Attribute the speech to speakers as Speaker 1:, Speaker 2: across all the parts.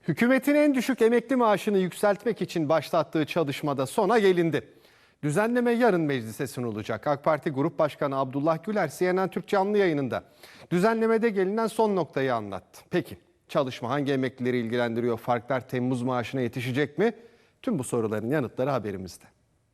Speaker 1: Hükümetin en düşük emekli maaşını yükseltmek için başlattığı çalışmada sona gelindi. Düzenleme yarın meclise sunulacak. AK Parti Grup Başkanı Abdullah Güler CNN Türk canlı yayınında düzenlemede gelinen son noktayı anlattı. Peki çalışma hangi emeklileri ilgilendiriyor? Farklar Temmuz maaşına yetişecek mi? Tüm bu soruların yanıtları haberimizde.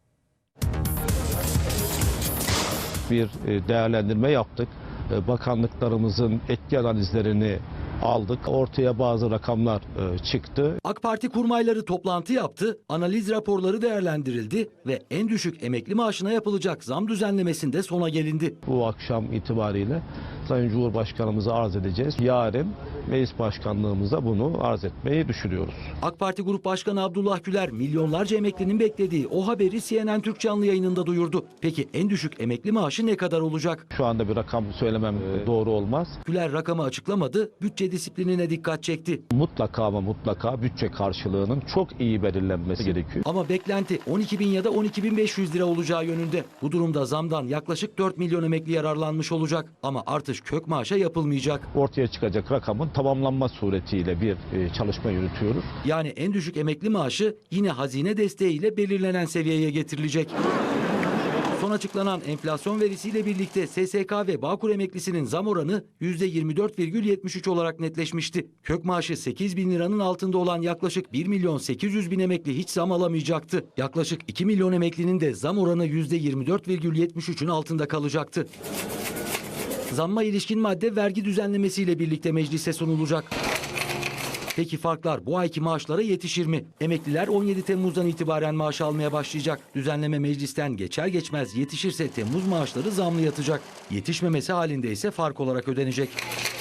Speaker 2: Bir değerlendirme yaptık. Bakanlıklarımızın etki analizlerini aldık. Ortaya bazı rakamlar çıktı.
Speaker 3: AK Parti kurmayları toplantı yaptı, analiz raporları değerlendirildi ve en düşük emekli maaşına yapılacak zam düzenlemesinde sona gelindi.
Speaker 2: Bu akşam itibariyle Sayın Cumhurbaşkanımıza arz edeceğiz. Yarın meclis başkanlığımıza bunu arz etmeyi düşünüyoruz.
Speaker 3: AK Parti Grup Başkanı Abdullah Güler milyonlarca emeklinin beklediği o haberi CNN Türk canlı yayınında duyurdu. Peki en düşük emekli maaşı ne kadar olacak?
Speaker 2: Şu anda bir rakam söylemem doğru olmaz.
Speaker 3: Güler rakamı açıklamadı, bütçe disiplinine dikkat çekti.
Speaker 2: Mutlaka ama mutlaka bütçe karşılığının çok iyi belirlenmesi gerekiyor.
Speaker 3: Ama beklenti 12.000 ya da 12.500 lira olacağı yönünde. Bu durumda zamdan yaklaşık 4 milyon emekli yararlanmış olacak. Ama artış kök maaşa yapılmayacak.
Speaker 2: Ortaya çıkacak rakamın tamamlanma suretiyle bir çalışma yürütüyoruz.
Speaker 3: Yani en düşük emekli maaşı yine hazine desteğiyle belirlenen seviyeye getirilecek. Son açıklanan enflasyon verisiyle birlikte SSK ve Bağkur emeklisinin zam oranı %24,73 olarak netleşmişti. Kök maaşı 8 bin liranın altında olan yaklaşık 1 milyon 800 bin emekli hiç zam alamayacaktı. Yaklaşık 2 milyon emeklinin de zam oranı %24,73'ün altında kalacaktı. Zamma ilişkin madde vergi düzenlemesiyle birlikte meclise sunulacak. Peki farklar bu ayki maaşlara yetişir mi? Emekliler 17 Temmuz'dan itibaren maaş almaya başlayacak. Düzenleme meclisten geçer geçmez yetişirse Temmuz maaşları zamlı yatacak. Yetişmemesi halinde ise fark olarak ödenecek.